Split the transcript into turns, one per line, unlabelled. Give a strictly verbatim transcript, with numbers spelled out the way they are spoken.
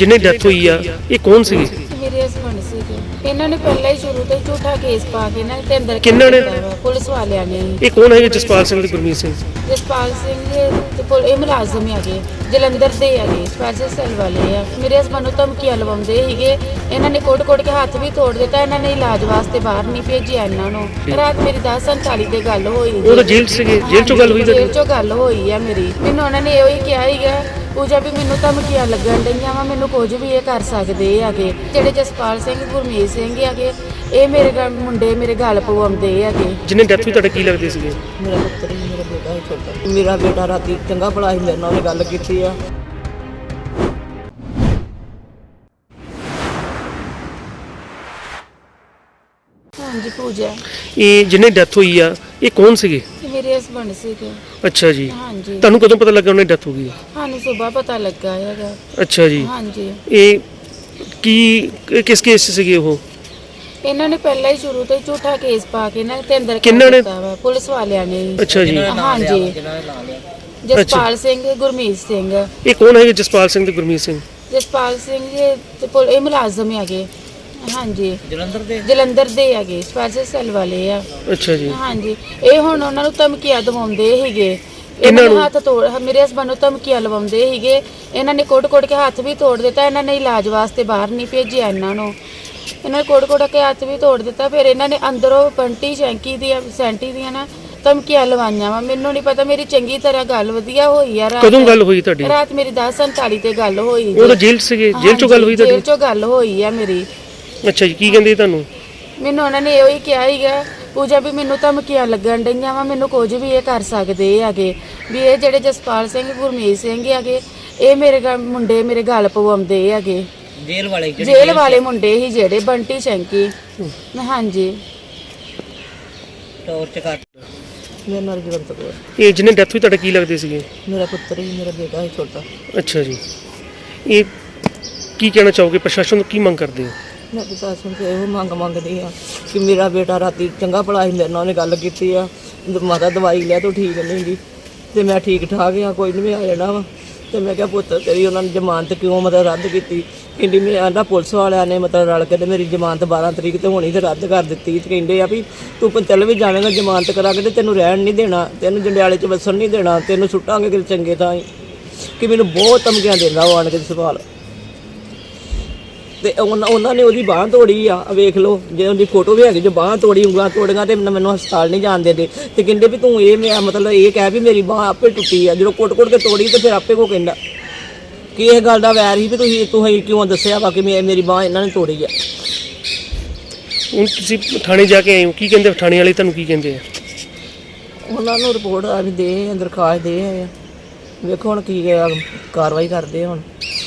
जिन्हें डेथ हुई आ ये कौन सी?
ਮੇਰੇ ਹਸਬੰਡ ਸੀਗੇ। ਇਹਨਾਂ ਨੇ ਪਹਿਲਾਂ ਹੀ ਸ਼ੁਰੂ ਤੋਂ ਹੀ ਝੂਠਾ ਕੇਸ ਪਾ ਕੇ ਨਾ ਤੇ ਅੰਦਰ
ਕਿਹਨਾਂ ਨੇ?
ਕੀਤਾ ਵਾ, ਪੁਲਿਸ ਵਾਲਿਆਂ ਨੇ।
ये कौन है जसपाल सिंह ते गुरमीत सिंह?
ਜਸਪਾਲ ਸਿੰਘ ਤੇ ਪੁਲ ਇਹ ਮੁਲਾਜ਼ਮ ਹੈਗੇ, ਜਲੰਧਰ ਦੇ ਹੈਗੇ, ਸਪੈਸ਼ਲ ਸੈੱਲ ਵਾਲੇ ਆ। ਮੇਰੇ ਹਸਬੰਡ ਨੂੰ ਧਮਕੀਆਂ ਲਵਾਉਂਦੇ ਸੀਗੇ। ਇਹਨਾਂ ਨੇ ਕੋਟ-ਕੋਟ ਕੇ ਹੱਥ ਵੀ ਤੋੜ ਦਿੱਤਾ। ਇਹਨਾਂ ਨੇ ਇਲਾਜ ਵਾਸਤੇ ਬਾਹਰ ਨਹੀਂ ਭੇਜਿਆ ਇਹਨਾਂ ਨੂੰ। ਰਾਤ ਮੇਰੀ ਦਸ ਸੰਤਾਲੀ ਤੇ ਗੱਲ ਹੋਈ।
ਉਹ ਤਾਂ ਜੇਲ੍ਹ 'ਚ ਸੀਗੇ, ਜੇਲ੍ਹ 'ਚੋਂ ਗੱਲ ਹੋਈ ਤੁਹਾਡੀ?
ਜੇਲ੍ਹ 'ਚੋਂ ਗੱਲ ਹੋਈ ਆ ਮੇਰੀ। ਮੈਨੂੰ ਉਹਨਾਂ ਨੇ ਇਹੋ ਹੀ ਕਿਹਾ ਸੀਗਾ ਪੂਜਾ ਵੀ ਮੈਨੂੰ ਧਮਕੀਆਂ ਲੱਗਣ ਡਈਆਂ ਵਾ, ਮੈਨੂੰ ਕੁਝ ਵੀ ਇਹ ਕਰ ਸਕਦੇ ਹੈਗੇ। ਜਿਹੜੇ ਜਸਪਾਲ ਸਿੰਘ ਗੁਰਮੀਤ ਸਿੰਘ ਹੈਗੇ ਇਹ ਮੇਰੇ ਗਲ ਮੁੰਡੇ ਮੇਰੇ ਗਲ ਪਵਾਉਂਦੇ ਹੈਗੇ।
ਜਿਹਨੇ ਡੈਥ ਹੋਈ ਤੁਹਾਡੇ ਕੀ ਲੱਗਦੇ ਸੀਗੇ?
ਮੇਰਾ ਪੁੱਤਰ ਹੀ ਮੇਰਾ ਬੇਟਾ ਹੀ ਛੋਟਾ। ਮੇਰਾ ਬੇਟਾ ਰਾਤੀ ਚੰਗਾ ਭਲਾ ਸੀ, ਮੇਰੇ ਨਾਲ ਉਹਨੇ ਗੱਲ ਕੀਤੀ ਆ।
ਹਾਂਜੀ ਪੂਜਾ।
ਇਹ ਜਿਹਨੇ ਡੈਥ ਹੋਈ ਆ ਇਹ ਕੌਣ ਸੀਗੇ?
ਮੇਰੇ ਹਸਬੰਡ ਸੀਗੇ।
ਅੱਛਾ ਜੀ।
ਹਾਂਜੀ।
ਤੁਹਾਨੂੰ ਕਦੋਂ ਪਤਾ ਲੱਗਾ ਉਹਨੇ ਡੈਥ ਹੋ ਗਈ?
ਸਾਨੂੰ ਸਵੇਰ ਪਤਾ ਲੱਗਾ ਹੈਗਾ।
ਅੱਛਾ ਜੀ।
ਹਾਂਜੀ।
ਇਹ ਕੀ ਕਿਸ ਕੇਸ 'ਚ ਸੀਗੇ ਉਹ?
ਇਹਨਾਂ ਨੇ ਪਹਿਲਾਂ ਹੀ ਸ਼ੁਰੂ ਤੋਂ ਹੀ ਝੂਠਾ ਕੇਸ ਪਾ ਕੇ ਨਾ ਤੇ ਅੰਦਰ
ਕਿਹਨਾਂ ਨੇ?
ਕੀਤਾ ਵਾ, ਪੁਲਿਸ ਵਾਲਿਆਂ ਨੇ।
ਅੱਛਾ ਜੀ।
ਹਾਂਜੀ। ਜਸਪਾਲ ਸਿੰਘ ਗੁਰਮੀਤ ਸਿੰਘ।
ਇਹ ਕੌਣ ਹੈ ਜਸਪਾਲ ਸਿੰਘ ਤੇ ਗੁਰਮੀਤ ਸਿੰਘ?
ਜਸਪਾਲ ਸਿੰਘ ਤੇ ਪੁਲ ਇਹ ਮੁਲਾਜ਼ਮ ਹੈਗੇ। ਹਾਂਜੀ।
ਜਲੰਧਰ ਦੇ
ਜਲੰਧਰ ਦੇ ਹੈਗੇ, ਸਪੈਸ਼ਲ ਸੈੱਲ ਵਾਲੇ ਆ।
ਅੱਛਾ ਜੀ।
ਹਾਂਜੀ। ਇਹ ਹੁਣ ਉਹਨਾਂ ਨੂੰ ਧਮਕੀਆਂ ਦਵਾਉਂਦੇ ਸੀਗੇ। ਇਹਨਾਂ ਨੇ ਹੱਥ ਤੋੜ ਮੇਰੇ ਹਸਬੰਦ ਨੂੰ ਧਮਕੀਆਂ ਲਵਾਉਂਦੇ ਸੀਗੇ। ਇਹਨਾਂ ਨੇ ਕੋਟ-ਕੋਟ ਕੇ ਹੱਥ ਵੀ ਤੋੜ ਦਿੱਤਾ। ਇਹਨਾਂ ਨੇ ਇਲਾਜ ਵਾਸਤੇ ਬਾਹਰ ਨਹੀਂ ਭੇਜਿਆ ਇਹਨਾਂ ਨੂੰ। ਇਹਨਾਂ ਨੇ ਕੋਟ-ਕੋਟ ਕੇ ਹੱਥ ਵੀ ਤੋੜ ਦਿੱਤਾ। ਫਿਰ ਇਹਨਾਂ ਨੇ ਅੰਦਰੋਂ ਪੰਟੀ ਸ਼ੈਂਕੀ ਦੀਆਂ ਸੈਂਟੀ ਦੀਆਂ ਨਾ ਧਮਕੀਆਂ ਲਵਾਈਆਂ ਵਾ। ਮੈਨੂੰ ਨਹੀਂ ਪਤਾ, ਮੇਰੀ ਚੰਗੀ ਤਰ੍ਹਾਂ ਗੱਲ ਵਧੀਆ ਹੋਈ ਆ। ਰਾਤ
ਕਦੋਂ ਗੱਲ ਹੋਈ ਤੁਹਾਡੀ?
ਰਾਤ ਮੇਰੀ ਦਸ ਸੰਤਾਲੀ ਤੇ ਗੱਲ ਹੋਈ।
ਉਹ ਤਾਂ ਜੇਲ੍ਹ 'ਚ ਸੀਗੇ, ਜੇਲ੍ਹ 'ਚੋਂ ਗੱਲ ਹੋਈ ਤੁਹਾਡੀ?
ਜੇਲ੍ਹ 'ਚੋਂ ਗੱਲ ਹੋਈ ਆ ਮੇਰੀ।
ਅੱਛਾ ਜੀ। ਕੀ ਕਹਿੰਦੇ ਤੁਹਾਨੂੰ?
ਮੈਨੂੰ ਉਹਨਾਂ ਨੇ ਇਹੋ ਹੀ ਕਿਹਾ ਸੀਗਾ ਪੂਜਾ ਵੀ ਮੈਨੂੰ ਧਮਕੀਆਂ ਲੱਗਣ ਡਈਆਂ ਵਾ, ਮੈਨੂੰ ਕੁਝ ਵੀ ਇਹ ਕਰ ਸਕਦੇ ਹੈਗੇ। ਵੀ ਇਹ ਜਿਹੜੇ ਜਸਪਾਲ ਸਿੰਘ ਗੁਰਮੀਤ ਸਿੰਘ ਹੈਗੇ ਇਹ ਮੇਰੇ ਗਲ ਮੁੰਡੇ ਮੇਰੇ ਗਲ ਪਵਾਉਂਦੇ ਹੈਗੇ।
ਜੇਲ੍ਹ ਵਾਲੇ
ਜੇਲ੍ਹ ਵਾਲੇ ਮੁੰਡੇ ਹੀ ਜਿਹੜੇ ਬੰਟੀ ਸ਼ੈਂਕੀ। ਹਾਂਜੀ।
ਟੌਰਚ ਕਰ ਮੇਰੇ ਨਾਲ ਜਵੰਤ ਕੋਲ।
ਇਹ ਜਿਹਨੇ ਡੈਥ ਹੋਈ ਤੁਹਾਡੇ ਕੀ ਲੱਗਦੇ ਸੀਗੇ?
ਮੇਰਾ ਪੁੱਤਰ ਹੀ ਮੇਰਾ ਬੇਟਾ ਹੀ ਛੋਟਾ।
ਅੱਛਾ ਜੀ। ਇਹ ਕੀ ਕਹਿਣਾ ਚਾਹੋਗੇ, ਪ੍ਰਸ਼ਾਸਨ ਤੋਂ ਕੀ ਮੰਗ ਕਰਦੇ ਹੋ?
ਮੈਂ ਪ੍ਰਸ਼ਾਸਨ ਤੋਂ ਇਹੋ ਮੰਗ ਮੰਗਦੀ ਆ ਕਿ ਮੇਰਾ ਬੇਟਾ ਰਾਤੀ ਚੰਗਾ ਭਲਾ ਸੀ, ਮੇਰੇ ਨਾਲ ਉਹਨੇ ਗੱਲ ਕੀਤੀ ਆ। ਮਾਤਾ ਦਵਾਈ ਲਿਆ ਤੂੰ ਠੀਕ ਨਹੀਂ ਗੀ ਤੇ ਮੈਂ ਠੀਕ ਠਾਕ ਆ, ਕੋਈ ਨਹੀਂ ਮੈਂ ਆ ਜਾਣਾ ਵਾ। ਤੇ ਮੈਂ ਕਿਹਾ ਪੁੱਤ ਤੇਰੀ ਉਹਨਾਂ ਨੇ ਜ਼ਮਾਨਤ ਕਿਉਂ ਮਤਲਬ ਰੱਦ ਕੀਤੀ? ਕਹਿੰਦੀ ਮੈਂ ਆਂਦਾ ਪੁਲਿਸ ਵਾਲਿਆਂ ਨੇ ਮਤਲਬ ਰਲ ਕੇ ਤੇ ਮੇਰੀ ਜ਼ਮਾਨਤ ਬਾਰਾਂ ਤਰੀਕ ਤੇ ਹੋਣੀ ਤੇ ਰੱਦ ਕਰ ਦਿੱਤੀ। ਤੇ ਕਹਿੰਦੇ ਆ ਵੀ ਤੂੰ ਚੱਲ ਵੀ ਜਾਵੇਂਗਾ ਜ਼ਮਾਨਤ ਕਰਾ ਕੇ ਤੇ ਤੈਨੂੰ ਰਹਿਣ ਨਹੀਂ ਦੇਣਾ, ਤੈਨੂੰ ਜੰਡਿਆਲੇ 'ਚ ਵਸਣ ਨਹੀਂ ਦੇਣਾ, ਤੈਨੂੰ ਸੁੱਟਾਂਗੇ ਕਿਤੇ ਚੰਗੇ ਥਾਂ। ਕਿ ਮੈਨੂੰ ਬਹੁਤ ਧਮਕੀਆਂ ਦਿੰਦਾ ਉਹ ਆਣ ਕੇ ਸਵਾਲ। ਤੇ ਉਹਨਾਂ ਉਹਨਾਂ ਨੇ ਉਹਦੀ ਬਾਂਹ ਤੋੜੀ ਆ, ਵੇਖ ਲਓ ਜੇ ਉਹਦੀ ਫੋਟੋ ਵੀ ਹੈਗੀ ਜੋ ਬਾਂਹ ਤੋੜੀ, ਉਂਗਲਾਂ ਤੋੜੀਆਂ ਤੇ ਮੈਨੂੰ ਹਸਪਤਾਲ ਨਹੀਂ ਜਾਣ ਦਿੰਦੇ। ਤੇ ਕਹਿੰਦੇ ਵੀ ਤੂੰ ਇਹ ਮੈਂ ਮਤਲਬ ਇਹ ਕਹਿ ਵੀ ਮੇਰੀ ਬਾਂਹ ਆਪੇ ਟੁੱਟੀ ਆ। ਜਦੋਂ ਕੁੱਟ-ਕੁੱਟ ਕੇ ਤੋੜੀ ਤੇ ਫਿਰ ਆਪੇ ਕੋ ਕਹਿੰਦਾ ਕਿ ਇਹ ਗੱਲ ਦਾ ਵੈਰ ਸੀ ਵੀ ਤੁਸੀਂ ਤੁਸੀਂ ਕਿਉਂ ਦੱਸਿਆ ਵਾ ਕਿ ਮੈਂ ਮੇਰੀ ਬਾਂਹ ਇਹਨਾਂ ਨੇ ਤੋੜੀ ਆ।
ਹੁਣ ਤੁਸੀਂ ਥਾਣੇ ਜਾ ਕੇ ਆਏ ਹੋ, ਕੀ ਕਹਿੰਦੇ ਥਾਣੇ ਵਾਲੇ ਤੁਹਾਨੂੰ ਕੀ ਕਹਿੰਦੇ ਆ?
ਉਹਨਾਂ ਨੂੰ ਰਿਪੋਰਟ ਆ ਵੀ ਦੇ ਦਰਖਾਸਤ ਦੇ ਆ, ਵੇਖੋ ਹੁਣ ਕੀ ਕਾਰਵਾਈ ਕਰਦੇ ਹੁਣ।